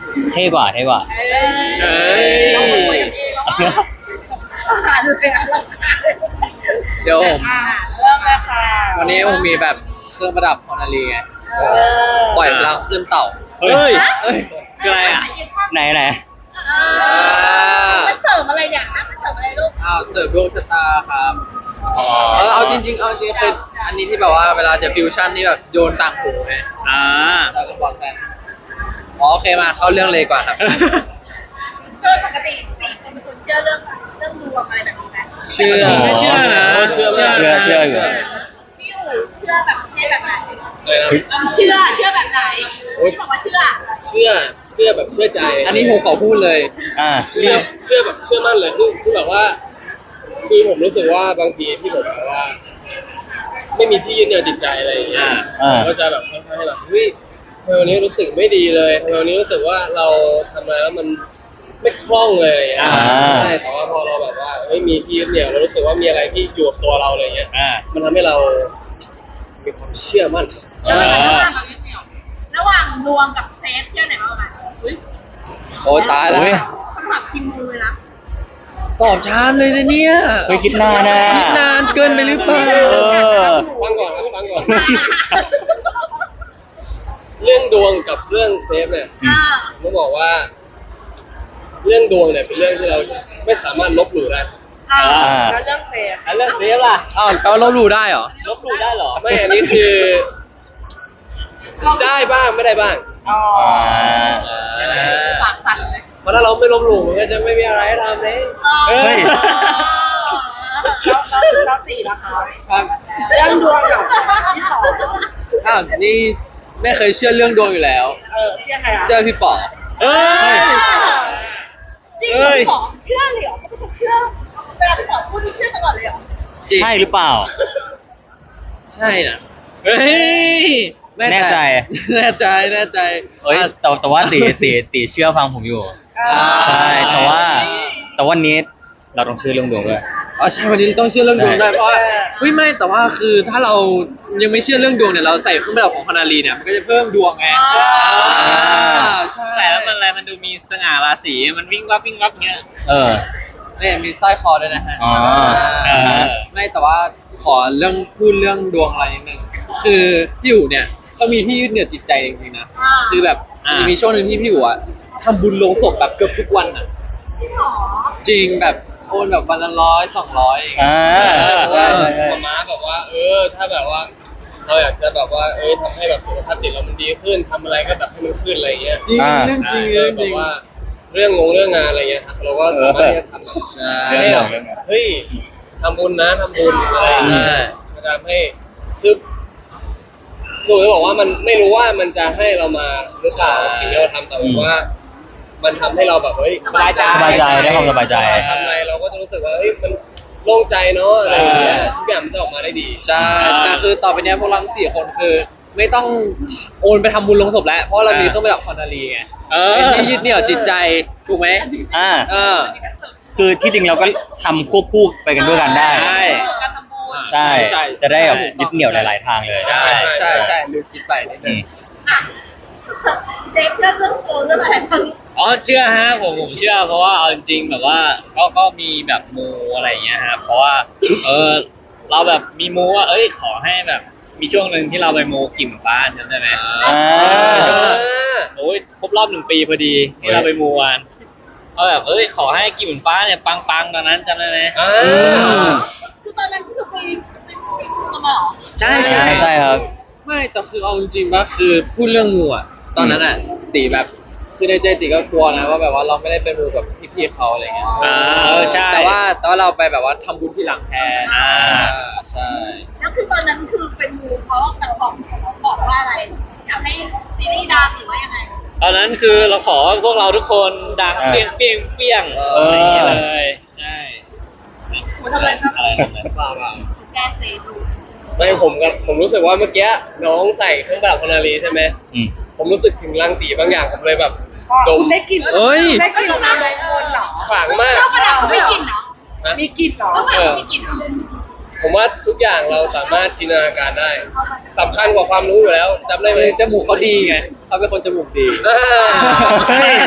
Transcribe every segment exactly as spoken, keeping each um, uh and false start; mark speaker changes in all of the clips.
Speaker 1: เท่กว่าเท่กว่า
Speaker 2: เอ้ย
Speaker 3: เราคุยกันเองแล้วว่าขาดเลยอะเราขาดเลย
Speaker 2: เดี๋ยวผม
Speaker 3: อ่ะเริ่มเลยค่ะ
Speaker 2: วันนี้ผมมีแบบเครื่องประดับฮอนารีไงปล่อยพลังขึ้นเต่า
Speaker 1: เฮ้ย
Speaker 2: เฮ้ยคืออะไรอ่ะ
Speaker 1: ไหนไหน
Speaker 3: เออมันเสริมอะไรเนี่ยนะมันเสริมอะไรลูก
Speaker 2: อ้าวเสิร์ฟดวงชะตาครับเออเอาจริงๆเอาจริงๆคืออันนี้ที่แบบว่าเวลาจะฟิวชั่นนี่แบบโยนต่างหูไง
Speaker 1: อ่า
Speaker 2: แล้วก็บอกกันอ๋อโอเคมาเข้าเรื่องเลยก่อนครับ
Speaker 3: โดยปกติสี่คนเป็นคนเชื่อเรื่องเรื่องดวงอะไรแบบนี้ไหม
Speaker 2: เชื่อ
Speaker 1: ไม่เชื่อนะ
Speaker 2: เชื่อ
Speaker 1: เชื่อเชื่อเชื่ออยู่
Speaker 3: พี่อู๋เชื่อแบบเชื่อแบบไหน
Speaker 2: เลยนะ
Speaker 3: เชื่อเชื่อแบบไหนพี่บอกว่าเชื่อ
Speaker 4: เชื่อเชื่อแบบเชื่อใจ
Speaker 2: อันนี้ผมขอพูดเลย
Speaker 1: อ่า
Speaker 4: เชื่อเชื่อแบบเชื่อมั่นเลยคือคือแบบว่าคือผมรู้สึกว่าบางทีที่ผมแบบว่า ไม่มีที่ยึดเหนี่ยวจิตใจอะไรอย่างเงี้ย
Speaker 1: อ่า
Speaker 4: ผมก็จะแบบค่อยๆแบบเฮ้ยทำไมวันนี้รู้สึกไม่ดีเลยทำไมวันนี้รู้สึกว่าเราทำอะไรแล้วมันไม่คล่องเลยอย่างเงี้ย
Speaker 1: อ่า
Speaker 4: ใช่แต่ว่าพอเราแบบว่าเฮ้ยมีที่ยึดเหนี่ยวเรารู้สึกว่ามีอะไรที่อยู่กับตัวเราอะไรเงี้ย
Speaker 1: อ่า
Speaker 4: มันทำให้เรามีความเชื่อมั่น
Speaker 3: แล้วระหว่างระหว่างดวงกับเซฟเชื่อไหนมากกว่ากันอุ้ย
Speaker 2: โอ้ตายแล้ว
Speaker 1: เฮ้ย
Speaker 3: คำถามคิมมูเลยนะ
Speaker 2: ตอบช้าเลยนะเนี่ย
Speaker 1: เฮ้ยคิดนานนะ
Speaker 2: คิดนานเกินไปหรือเปล่า
Speaker 1: เออ
Speaker 4: ฟังก่อนครับฟังก่อน เรื่องดวงกับเรื่องเซฟเนี่ย
Speaker 3: อ่า
Speaker 4: ผมบอกว่า เรื่องดวงเนี่ยเป็นเรื่องที่เราไม่สามารถลบหลู่ได้
Speaker 3: อ่า
Speaker 1: อ่า
Speaker 3: แล้วเรื่องเซฟ
Speaker 1: แล้วเรื่องเซฟล่ะ
Speaker 2: อ้าวแปลว่าเรารู้ได้เหรอ
Speaker 1: ลบหลู่ได้เหรอ
Speaker 4: ไม่อันนี้คือ ได้บ้างไม่ได้บ้าง
Speaker 3: อ๋อ
Speaker 1: อ่า
Speaker 3: ปากสั่นเลย
Speaker 4: เพราะถ้าเราไม่ลบหลู่มันก็จะไม่มีอะไรให้ทำเลย
Speaker 1: เฮ้ย
Speaker 3: แล้วแล้วแล้วสี่นะคะ
Speaker 2: ครับ
Speaker 3: เรื่องดวงกับที่สอง
Speaker 2: อ้าวนี่ไม่เคยเชื่อเรื่องดวงอยู่แล้ว
Speaker 3: เออเชื่อใครอ่ะ
Speaker 2: เชื่อพี่ป๋อ
Speaker 1: เอ้ย
Speaker 3: จริงเหรอพี่ป๋อเชื่อเลยเหรอพี่ป๋อเชื่อเวลาพี่ป๋อพูดนี่เชื่อตลอดเลยเหรอ
Speaker 2: จริง
Speaker 1: ใช่หรือเปล่า
Speaker 2: ใช่นะ
Speaker 1: เฮ้ย แน่ใจ
Speaker 2: แน่ใจแน่ใจ
Speaker 1: เฮ้ยแต่แต่ว่าตีตีตีเชื่อฟังผมอยู่ ใช่แต่ว่าแต่วันนี้เราต้องเชื่อเรื่องดวงด้วย
Speaker 2: อ๋อใช่วันนี้ต้องเชื่อเรื่องดวงได้เพราะว่าเฮ้ยไม่แต่ว่าคือถ้าเรายังไม่เชื่อเรื่องดวงเนี่ยเราใส่เครื่องประดับของฮานารีเนี่ยมันก็จะเพิ่มดวงไง
Speaker 3: อ่า
Speaker 2: อ่าใช่
Speaker 5: ใส่แล้วมันอะไรมันดูมีสง่าราศีมันวิ่งวับวิ่งวับเงี้ย
Speaker 1: เออ
Speaker 2: เนี่ยมีสร้อยคอด้วยนะฮะ
Speaker 1: อ๋ออ่าฮะ
Speaker 2: ไม่แต่ว่าขอเรื่องพูดเรื่องดวงอะไรนิดนึงคือพี่อู๋เนี่ยเขามีที่ยึดเหนี่ยวจิตใจจริงๆนะ
Speaker 3: อ่า
Speaker 2: คือแบบมันจะมีช่วงหนึ่งที่พี่อู๋อะทำบุญลงศพแบบเกือบทุกวันอะ
Speaker 3: พี่ป๋อ
Speaker 2: จริงแบบโอนแบบวันละร้อยสองร้อยอย่างเงี้ย
Speaker 1: อ่า
Speaker 4: เพราะว่า
Speaker 1: ใช่ใช่
Speaker 4: หมอม้าบอกว่า เออ ถ้าแบบว่า เราอยากจะแบบว่า เอ้ยทำให้แบบสุขภาพจิตเรามันดีขึ้นทำอะไรก็แบบให้มันขึ้นอะไรอย่างเงี้ย
Speaker 2: จริง
Speaker 1: อ่า
Speaker 2: เรื่องจริง
Speaker 4: เอ
Speaker 2: เรื่
Speaker 4: อ
Speaker 2: อง
Speaker 4: แบ
Speaker 2: จริ
Speaker 4: บ
Speaker 2: ง
Speaker 4: ว่าเรื่องงงเรื่องงานอะไรเงี้ยครับเราก็สามารถที่จะทำ
Speaker 2: ใช่
Speaker 4: ให้แบบเฮ้ยทำบุญนะทำบุญอะไรอย่างเงี้ยมันทำให้คือหนูจะบอกว่ามันไม่รู้ว่ามันจะให้เรามาหรือเปล่าสิ่งที่เราทำแต่ว่า มันทำให้เราแบบเฮ้ย
Speaker 3: สบายใจ
Speaker 1: สบายใจได้ความสบายใจ
Speaker 4: ทำอะไรเราก็จะรู้สึกว่าเฮ้ยมันโล่งใจเนาะอะไรอย่างเงี้ยทุกอย่างมันจะออกมาได้ดี
Speaker 2: ใช่แต่คือต่อไปเนี้ยพวกเราทั้งสี่คนคือ ไม่ต้องโอนไปทำบุญลงศพแล้ว เพราะเรามีเครื่องประดับคอนนารีไง
Speaker 5: เออ
Speaker 2: เป็นที่ยึดเหนี่ยวจิตใจถูกไหม
Speaker 1: อ่า
Speaker 2: เออ
Speaker 1: คือที่จริงเราก็ทำควบคู่ไปกันด้วยกันได้
Speaker 2: ใช่
Speaker 3: การทำบุญ
Speaker 1: ใช่
Speaker 2: ใช่
Speaker 1: จะได้แบบ
Speaker 2: ใช่
Speaker 1: ยึดเหนี่ยวหลาย ๆ ทางเลย
Speaker 2: ใช่ใช่ใช่ลืมคิดไปนิด
Speaker 1: อื
Speaker 2: นึง
Speaker 1: ม
Speaker 3: อ่ะเด็กเชื่อเรื่องโกงเรื่องอะไรบ้าง
Speaker 5: อ๋อเชื่อฮะผมผมเชื่อเพราะว่าเอาจริงๆแบบว่าก็ก็มีแบบมูอะไรอย่างเงี้ยฮะเพราะว่า เออเราแบบมีมูว่าเอ้ยขอให้แบบ มีช่วงหนึ่งที่เราไปมูกิ่มฟ้าจำได้ไหม
Speaker 1: อ่า
Speaker 5: โอ้ยครบรอบหนึ่งปีพอดีที่เราไปมูกันเอาแบบเอ้ยขอให้กิ่มฟ้าเนี่ยปังๆตอนนั้นจำได้ไหม
Speaker 4: อ่า
Speaker 3: คือตอนนั้นคือไปไปไปพูดกันมาเหรอ
Speaker 5: ใช่
Speaker 1: ใช่
Speaker 5: ใช่
Speaker 1: ใช่ครับ
Speaker 2: ไม่แต่คือเอาจริงๆป่ะคือพูดเรื่องงูอ่ะตอนนั้นอ่ะตีแบบคือในใจตีก็กลัวนะว่าแบบว่าเราไม่ได้ไปมูกับพี่ๆเขาอะไรเงี้ย
Speaker 5: อ่าเออใช่
Speaker 2: แต่ว่าแต่ว่าเราไปแบบว่าทำบุญที่หลังแทน
Speaker 5: อ่า
Speaker 2: ใช่
Speaker 3: แล้วคือตอนนั้นคือเป็นมูเพราะแบบบอกบอกว่าอะไรอยากให้ซีรีส์ดังหรือว่ายังไง
Speaker 5: ตอนนั้นคือเราขอให้พวกเราทุกคนดัง
Speaker 1: อ่า
Speaker 5: เปี้ยงเปี้ยงเปี้ยง
Speaker 1: เอออ
Speaker 5: อะไรอย่างเงี้ยเลยใช่
Speaker 3: คุณทำอะไรครับ
Speaker 5: อะไรแบบนั้น
Speaker 4: เปล่าเปล่า
Speaker 3: แก้เซดู
Speaker 4: ไม่ผมกับผมรู้สึกว่าเมื่อกี้น้องใส่เครื่องประดับพนารีใช่ไหม
Speaker 1: อืม
Speaker 4: ผมรู้สึกถึงรังสีบางอย่างผมเลยแบบดม
Speaker 3: ได้กลิ่น
Speaker 2: เอ้ย
Speaker 3: ได้กลิ่นของการโดนเหรอ
Speaker 4: ขลังมาก
Speaker 3: เครื่องประดับไม่กลิ่นเหรอ
Speaker 4: นะ
Speaker 3: มีกลิ่นเหรอเครื่องประดับไม่กลิ่นเหรอ
Speaker 4: ผมว่าทุกอย่างเราสามารถจินตนาการได้สำคัญกว่าความรู้อยู่แล้วจำได้ไหม
Speaker 2: คือจมูกเขาดีไงเขาเป็นคนจมูกดี
Speaker 4: อ่า
Speaker 1: เฮ้ย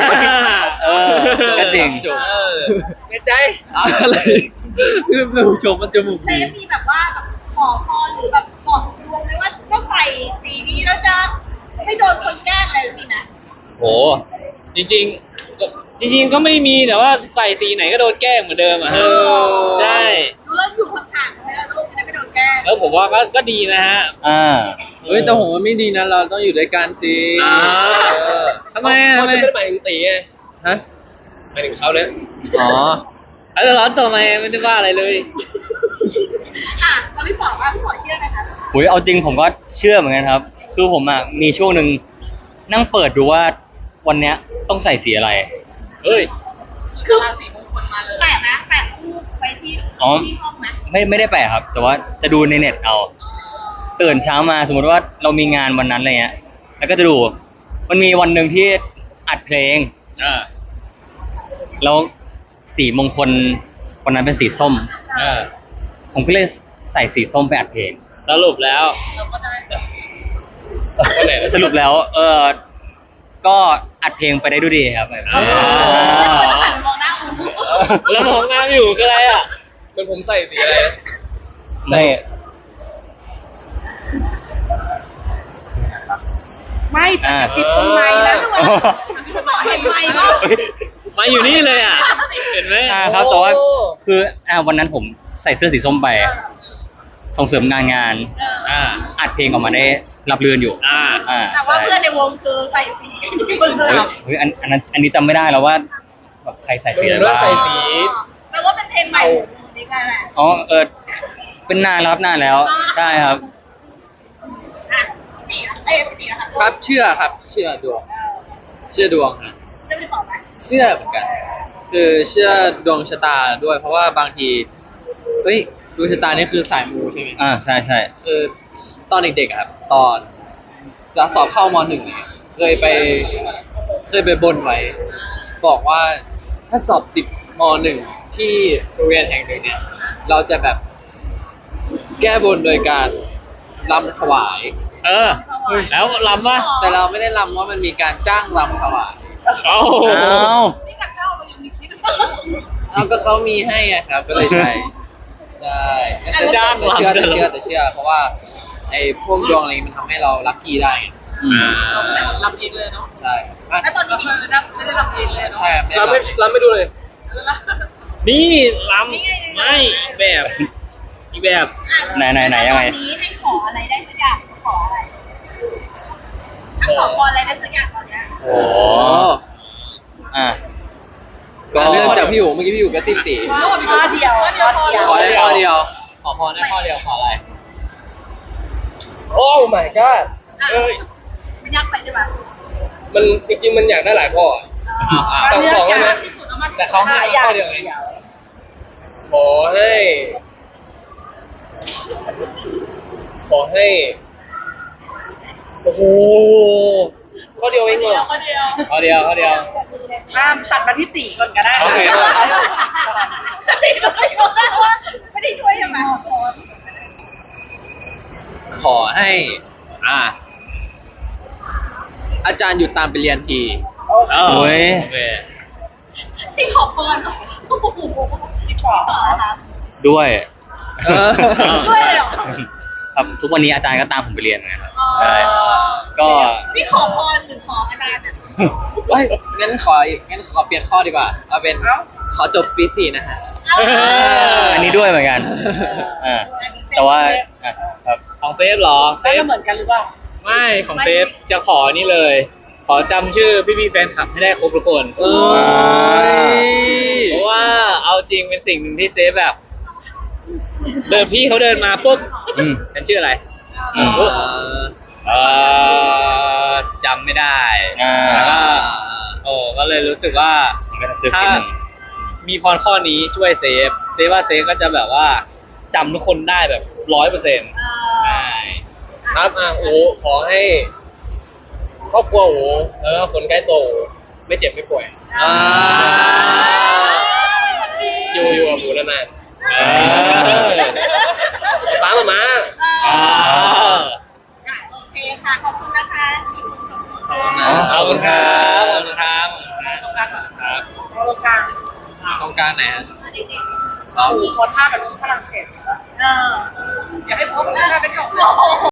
Speaker 1: จริง
Speaker 5: เออ
Speaker 2: ในใจอะไรคือหนูชมมันจมูก
Speaker 3: เซ
Speaker 2: ดี
Speaker 3: ฟมีแบบว่าแบบขอพรหรือแบบบอกดวงไหมว่าถ้าใส่สีนี้แล้วจะไม่โดนคนแกล้งอะไรมีไหม
Speaker 5: โหจริงๆก็จริง ๆ ก็ไม่มีแต่ว่าใส่สีไหนก็โดนแกล้งเหมือนเดิมอ่ะ
Speaker 2: เออ
Speaker 5: ใช่
Speaker 3: ดูแล้วอยู่ห่างๆไม่ได้ลูกจะได้ไม่โดนแกล้ง
Speaker 5: แล้วผมว่าก็ก็ดีนะฮะ
Speaker 1: อ่า
Speaker 2: เฮ้ยแต่ผมว่าไม่ดีนะเราต้องอยู่ด้วยกันสิ
Speaker 5: อ่า
Speaker 2: เออ
Speaker 5: ทำไมอ่ะ
Speaker 4: เขา
Speaker 5: ทำไม
Speaker 4: จะไม่ได้หมายถึงตีไง
Speaker 2: ฮะ
Speaker 4: หมายถึงเขาเนี่ย
Speaker 2: อ๋อ
Speaker 5: แล้วร้อนตัวทำไมไม่ได้ว่าอะไรเลย
Speaker 3: อ่ะเราพี่บอกว่าพี่บอกเชื่อไหมคะ
Speaker 1: หุยเอาจริงผมก็เชื่อเหมือนกันครับ คือผมอ่ะมีช่วงหนึ่งนั่งเปิดดูว่าวันเนี้ยต้องใส่สีอะไร
Speaker 5: เฮ้ย
Speaker 3: คือราศีมงคลมาเลยแปะนะแปะรูปไปที่
Speaker 1: อ๋อ
Speaker 3: ที่ห้องนะ
Speaker 1: ไม่ไม่ได้แปะครับ แต่ว่าจะดูในเน็ตเอาตื่นเช้ามาสมมติว่าเรามีงานวันนั้นอะไรเงี้ย แล้วก็จะดู มันมีวันหนึ่งที่อัดเพลง
Speaker 5: อ่า
Speaker 1: แล้วสีมงคลวันนั้นเป็นสีส้ม
Speaker 5: อ่า
Speaker 1: ผมก็เลยใส่สีส้มไปอัดเพลง
Speaker 5: สรุปแล้ว
Speaker 3: เราก็ได้
Speaker 4: วันไหนนะ
Speaker 1: สรุปแล้ว เออก็อัดเพลงไปได้ด้วยดีครับ
Speaker 5: อ๋อ
Speaker 3: แล้วคนจะหันมองหน้าอู
Speaker 5: แล้วมองหน้าไม่อยู่คืออะไรอ่ะ
Speaker 4: มันผมใส่สีอะไรนะ
Speaker 1: ไม่
Speaker 3: ไม่
Speaker 1: อ่า
Speaker 3: ติดตรงไหนแล้วทุกคนพี่บอกเห็นไหมว่า
Speaker 5: มาอยู่นี่เลยอ่ะ เห็นไหม
Speaker 1: อ่าครับแต่ว่าคืออ่าวันนั้นผมใส่เสื้อสีส้มไป ส่งเสริมงานงาน
Speaker 5: อ่า
Speaker 1: อัดเพลงออกมาได้รับเรื่อนอยู่
Speaker 5: อ่า
Speaker 1: อ่า
Speaker 3: แต่ว่า
Speaker 1: ใช่
Speaker 3: เพื่อนในวงคือใส่สีเพื่อน
Speaker 1: เฮ้ยเฮ้ยอันอันนั้นอันนี้จำไม่ได้แล้วว่าแบบใครใส่สีอะไร
Speaker 4: ผมว่า
Speaker 1: บ้าง
Speaker 4: ใส่สี
Speaker 3: แปลว่าเป็นเพลงใหม่นี่ไงแหละ
Speaker 1: อ๋อเออเป็นนานแล้วครับนานแล้ว ใช่ครับ
Speaker 3: อ่ะสีเอ้ยสีนะคะ
Speaker 2: ครับเชื่อครับ เชื่อดวง เชื่อดวงครับ
Speaker 3: จะไปบอกไหม
Speaker 2: เชื่อเหมือนกัน คือเชื่อดวงชะตาด้วย เพราะว่าบางทีเฮ้ยดวงชะตานี่คือสายมูใช่ไหม
Speaker 1: อ่าใช่ใช่
Speaker 2: คือตอนเด็กๆอะครับ ตอนจะสอบเข้ามหนึ่งเนี่ยเคยไปเคยไปบนไว้ บอกว่าถ้าสอบติดมหนึ่งที่โรงเรียนแห่งหนึ่งเนี่ย เราจะแบบแก้บนโดยการรำถวาย
Speaker 5: เออ แล้วลำวะ
Speaker 2: แต่เราไม่ได้รำว่ามันมีการจ้างรำถวาย
Speaker 5: เอ้า
Speaker 1: อ้าว
Speaker 3: นี่กับเจ้ามันยังมีคิด
Speaker 2: เอาก็เขามีให้ไงครับ ก็เลยใช่ใช่แต่
Speaker 5: จ้าง
Speaker 2: แต่เชื่อ
Speaker 5: รำ
Speaker 2: แต่เชื่อแต่เชื่อ เพราะว่าไอ้พวกดวงอะไรนี้มันทำให้เราลัคกี้ได้ไง
Speaker 1: อืม
Speaker 3: ลำเองเลยเนาะ
Speaker 2: ใช่อ่ะ
Speaker 3: แล้วตอนนี้ไม่ได้ไม่ได้ลำเองเลยเนาะ
Speaker 2: ใช่ครับ
Speaker 4: รำไม่รำไม่ดูเลย
Speaker 5: นี่ลำไม่อีกแบบอีกแบบ
Speaker 1: ไหนไหนไหนยังไง
Speaker 3: ตอนนี้ให้ขออะไรได้สักอย่างขออะไรถ้าขอพรอะไรได้สักอย่างตอนเนี้ย
Speaker 1: โอ้อ่ะ
Speaker 2: ก็เรื่องจากพี่อยู่เมื่อกี้พี่อยู่ก็ติดติ
Speaker 3: ข้อเดียวข้อเดียว
Speaker 2: ขอได้ข้อเดียว
Speaker 5: ขอพรได้ข้อเดียวขออะไร
Speaker 4: โอ้ my god
Speaker 5: เอ้ย
Speaker 3: ไม่ยากไปใช่ไหม
Speaker 4: มันจริงๆมันอยากได้หลายข้ออะ
Speaker 5: อ้าวอ้าว
Speaker 4: สองสองได้ไหม
Speaker 3: ที่สุดแล้วมัน
Speaker 5: แต่เขาให้ข้อเดียวไง
Speaker 4: ขอให้ ขอให้ โอ้โห ข้อเดียวเองเหรอ
Speaker 3: ข้อเดียว
Speaker 5: ข้อเดียวข้อเดียว
Speaker 3: ห้ามตัดมาที่ตีก่อนก็ได้
Speaker 5: โอเค
Speaker 3: ตีด้วยว่าไม่ได้ช่วยใช่ไหม
Speaker 2: ขอให้ อ่า อาจารย์หยุดตามไปเรียนที
Speaker 5: โอ้ย
Speaker 3: ที่ขอพรโอ้โหที่ขอนะคะ
Speaker 1: ด้วย
Speaker 2: เออ
Speaker 3: ด้วยเลยเหรอ
Speaker 1: ครับทุกวันนี้อาจารย์ก็ตามผมไปเรียนนะครับใช่ก็
Speaker 3: นี่ขอพรหรือขออาจารย์อ่ะ
Speaker 2: เฮ้ยงั้นของั้นขอเปลี่ยนข้อดีกว่า เอาเป็นขอจบปีสี่นะฮะ
Speaker 1: อันนี้ด้วยเหมือนกันอ่าแต่ว่าอ่ะครับ
Speaker 5: ของเซฟเหรอเซฟ
Speaker 3: เหมือนกันหรือเปล่า
Speaker 5: ไม่ของเซฟจะขอนี่เลย ขอจำชื่อพี่ๆแฟนคลับให้ได้ครบทุกคน
Speaker 2: เอ้ย
Speaker 5: เพราะว่าเอาจริงเป็นสิ่งหนึ่งที่เซฟแบบ เดินพี่เขาเดินมาปุ๊บ
Speaker 1: อืม
Speaker 5: ฉันชื่ออะไร
Speaker 1: อืม
Speaker 5: ปุ๊บเออจำไม่ได้
Speaker 1: อ่า
Speaker 5: แล้วก็โอ้ก็เลยรู้สึกว่า
Speaker 1: มันก็จะตึกนิดนึง
Speaker 5: มีพรข้อนี้ช่วยเซฟ เซฟว่าเซฟก็จะแบบว่าจำทุกคนได้แบบร้อยเปอร์เซ็นต์ใช่
Speaker 4: ครับอ่ะโอ้ขอให้ ครอบครัวโอ้แล้วก็คนใกล้ตัวโอ้ไม่เจ็บไม่ป่วย
Speaker 2: อ่า
Speaker 4: อยู่อยู่กับหมูนาน
Speaker 5: เออ
Speaker 4: ๆป้ามามา
Speaker 5: อ่า
Speaker 3: โอเคค่ะ ขอบคุณนะคะ
Speaker 5: ขอบคุณครับขอบคุณครับ
Speaker 3: ตรงกลางเหรอ
Speaker 5: ครับ
Speaker 3: ตรงกลาง
Speaker 2: การไหนฮะ
Speaker 3: เราโพสท่าแบบฝรั่งเศสเอออยากให้โพสท่าเป็นของเรา